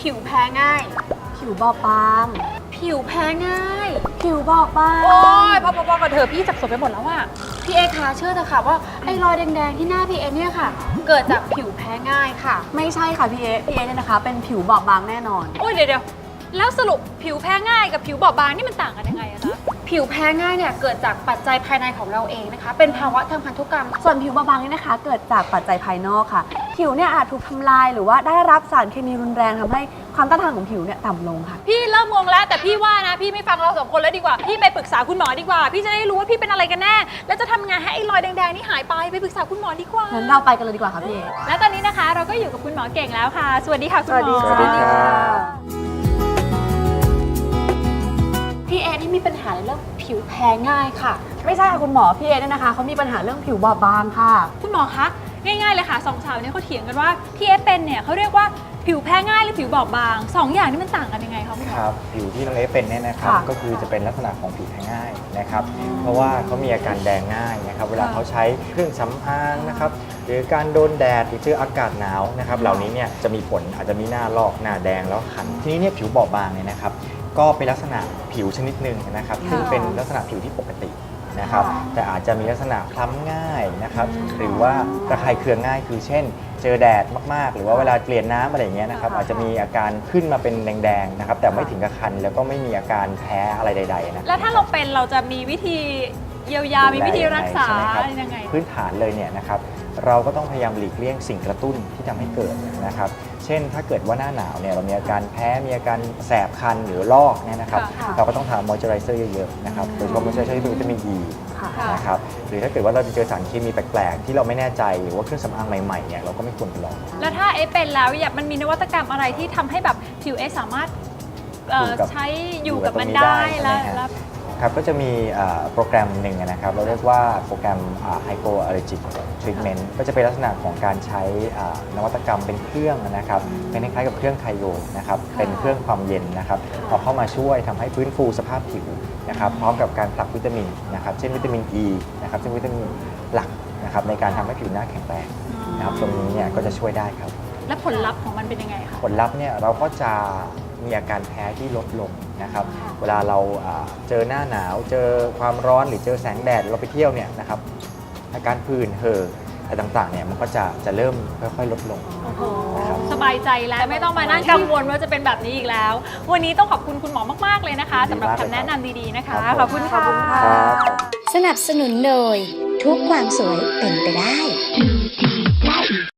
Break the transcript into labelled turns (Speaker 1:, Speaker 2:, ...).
Speaker 1: ผิวแพ้ง่าย
Speaker 2: ผิวบอบบาง
Speaker 1: ผิวแพ้ง่าย
Speaker 2: ผิวบอบบาง
Speaker 1: โอ้ยพอกันเถอะพี่สับสนไปหมดแล้วอะพี่เอคะเชื่อเถอะค่ะว่าไอ้รอยแดงๆที่หน้าพี่เอเนี่ยค่ะ เกิดจากผิวแพ้ง่ายค่ะ
Speaker 2: ไม่ใช่ค่ะพี่เอเนี่ยนะคะเป็นผิวบอบบางแน่นอน
Speaker 3: โอ้ยเดี๋ยวแล้วสรุปผิวแพ้ง่ายกับผิวบอบบางนี่มันต่างกันยังไงอะจ๊ะ
Speaker 1: ผิวแพ้ง่ายเนี่ยเกิดจากปัจจัยภายในของเราเองนะคะ เป็นภาวะทางพันธุกรรม
Speaker 2: ส่วนผิวบอบบางนี่นะคะ เกิดจากปัจจัยภายนอกค่ะ ผิวเนี่ยอาจถูกทำลายหรือว่าได้รับสารเคมีรุนแรงทำให้ความต้านทานของผิวเนี่ยต่ำลงค่ะ
Speaker 3: พี่เริ่มงงแล้วแต่พี่ว่านะพี่ไม่ฟังเราสองคนแล้วดีกว่าพี่ไปปรึกษาคุณหมอดีกว่า พี่จะได้รู้ว่าพี่เป็นอะไรกันแน่ แล้วจะทำไงให้ไอ้รอยแดงๆนี่หายไปปรึกษาคุณหมอดีกว่า
Speaker 2: งั้นเราไปกันเลยดีกว่าค่ะพี่เอ
Speaker 3: และตอนนี้นะคะเราก็อยู่กับคุณหมอเก่งแล้วค่ะ สวัสดีค่ะคุณหมอ
Speaker 4: สวัสดีครับ
Speaker 1: พี่เอที่มีปัญหาในเรื่องผิวแพ้ง่ายค่ะ
Speaker 2: ไม่ใช่ค่ะคุณหมอพี่เอเนี่ยนะคะเขามีปัญหาเรื่องผิวบอบบางค่ะ
Speaker 3: คุณหมอคะง่ายๆเลยค่ะสองสาวเนี่ยเขาเถียงกันว่าที่เอฟเป็นเนี่ยเขาเรียกว่าผิวแพ้ง่ายหรือผิวบอบบางสองอย่างนี้มันต่างกันยังไงคะคุณหมอ
Speaker 4: ครับผิวที่น้องเอฟเป็นเนี่ยนะครับ
Speaker 2: ค่ะ
Speaker 4: ก็คือจะเป็นลักษณะของผิวแพ้ง่ายนะครับ เพราะว่าเขามีอาการแดงง่ายนะครับ เวลาเขาใช้เครื่องสำอางนะครับหรือการโดนแดดหรือเจออากาศหนาวนะครับเหล่านี้เนี่ยจะมีผลอาจจะมีหน้าลอกหน้าแดงแล้วคันทีนี้เนี่ยผิวบอบบางเนี่ยนะครับก็เป็นลักษณะผิวชนิดหนึ่งนะครับซึ่งเป็นลักษณะผิวที่ปกตินะครับแต่อาจจะมีลักษณะคล้ำง่ายนะครับหรือว่าระคายเคืองง่ายคือเช่น เจอแดดมากๆ หรือว่าเวลาเปลี่ยนน้ำอะไรอย่างเงี้ยนะครับอาจจะมีอาการขึ้นมาเป็นแดงๆนะครับแต่ไม่ถึงกับคันแล้วก็ไม่มีอาการแพ้อะไรใดๆนะ
Speaker 3: แล้วถ้าเราเป็นเราจะมีวิธีเยียวยามีวิธีรักษา
Speaker 4: ใช่ไหมครับ
Speaker 3: ยังไง
Speaker 4: พื้นฐานเลยเนี่ยนะครับเราก็ต้องพยายามหลีกเลี่ยงสิ่งกระตุ้นที่ทำให้เกิดนะครับเช่นถ้าเกิดว่าหน้าหนาวเนี่ยเรามีอาการแพ้มีอาการแสบคันหรือลอกเนี่ยนะครับ
Speaker 2: ค่ะ
Speaker 4: เราก็ต้องทามอยเจอไรเซอร์เยอะๆนะครับโดยเฉพาะมอยเจอไรเซอร์ที่เป็นวิตามิน E
Speaker 2: ค่ะ
Speaker 3: ค่ะ
Speaker 4: นะครับหรือถ้าเกิดว่าเราเจอสารเคมีแปลกๆ ที่เราไม่แน่ใจหรือว่าเครื่องสำอางใหม่ๆเนี่ยเราก็ไม่ควรไปลอง
Speaker 3: แล้วถ้าเอฟเป็นแล้วอยากมันมีนวัตกรรมอะไรที่ทำให้แบบผิวเอสามารถใช้อยู่กับมันได้แล้ว
Speaker 4: ครับก็จะมีโปรแกรมหนึ่งนะครับเราเรียกว่าโปรแกรม Hypoallergic Treatment ก็จะเป็นลักษณะของการใช้นวัตกรรมเป็นเครื่องนะครับเป็นคล้ายๆกับเครื่องไคโยนะครับเป็นเครื่องความเย็นนะครับเอาเข้ามาช่วยทำให้ฟื้นฟูสภาพผิวนะครับพร้อมกับการผลักวิตามินนะครับเช่นวิตามิน E นะครับซึ่งวิตามินหลักนะครับในการทำให้ผิวหน้าแข็งแรงนะครับตรงนี้เนี่ยก็จะช่วยได้ครับ
Speaker 3: แล้วผลลัพธ์ของมันเป็นยังไงคะ
Speaker 4: ผลลัพธ์เนี่ยเราก็จะมีอาการแพ้ที่ลดลงนะครับ เวลาเราเจอหน้าหนาวเจอความร้อนหรือเจอแสงแดดเราไปเที่ยวเนี่ยนะครับอาการผื่นเห่ออะไรต่างๆเนี่ยมันก็จะเริ่มค่อยๆลดลง
Speaker 3: โอ้โห
Speaker 4: นะครับ
Speaker 3: สบายใจแล้วไม่ต้องมานั่งกังวลว่าจะเป็นแบบนี้อีกแล้ว วันนี้ต้องขอบคุณคุณหมอมากๆเลยนะคะสำหรับคำแนะนำดีๆนะคะ ขอบคุณค่ะ
Speaker 4: ครับ
Speaker 5: สนับสนุนโดยทุกความสวยเป็นไปได้